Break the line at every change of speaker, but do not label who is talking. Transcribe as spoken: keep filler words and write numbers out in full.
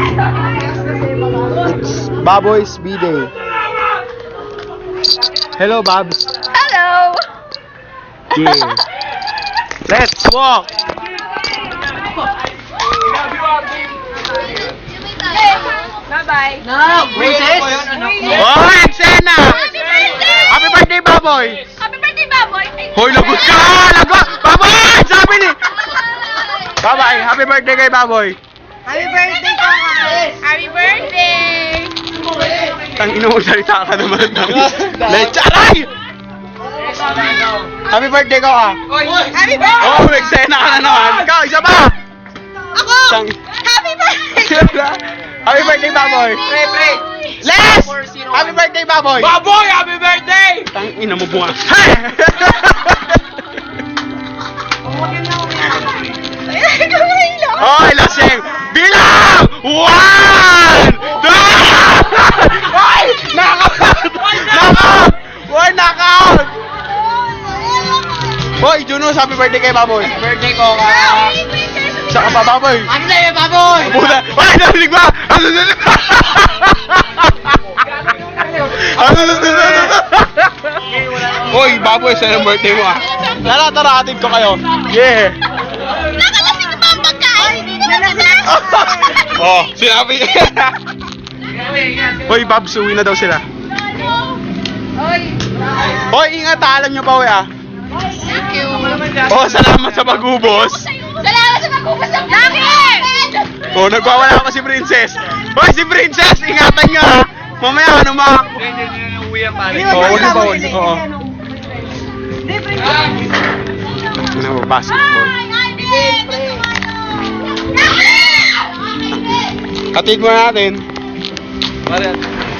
It's Baboy's B-Day. Hello, Babs.
Hello!
Yeah. Let's walk.
Bye-bye.
No, Princess!
Oh, eksena!
Happy birthday!
Happy birthday, Baboy!
Happy birthday, Baboy!
Hoy, lagot ka! Lagot! Baboy! Sabi ni... Bye-bye! Happy birthday kay Baboy!
Happy birthday ko, Chris!
Happy birthday!
Tang ina mo, salita ka naman. Lecha! Aray! Happy birthday ko ah!
Happy birthday!
Oh, eksena ka na naman! Ikaw, isa pa!
Ako!
Tang...
Happy birthday!
Happy birthday, Baboy!
Pre, pre!
Les! Happy birthday, Baboy!
Baboy, happy birthday!
Tang ina mo bunga. Hoy, lasing! Bilang! One! Two! Hoy! Knockout! Knockout! Hoy, knockout! Hoy, Junos, happy birthday kay Baboy.
Birthday ko, ka!
Saka pa, Baboy.
Ano na yun, baboy?
Puta! Hoy, narinig ba? Ano na Ano na Hoy, Baboy, saan ang birthday mo ah? Tara, tara, atid ko kayo. Yeah!
Nakalasing pa ang pagkain!
Oh, sinabi. Hoy, Babs, uwi na daw sila.
Oy!
Hoy, ingat, alam nyo pa, uwi ah.
Thank you!
Oh, salamat sa pag-ubos.
Salamat sa pagkupas ng vlogger!
Oh, nagwawala pa si Princess. Hoy, si Princess, ingatan nyo ah. Mamaya, ano ma... Oo, oh, ba? Oo. Ano mo, basketball. Hatid mo natin.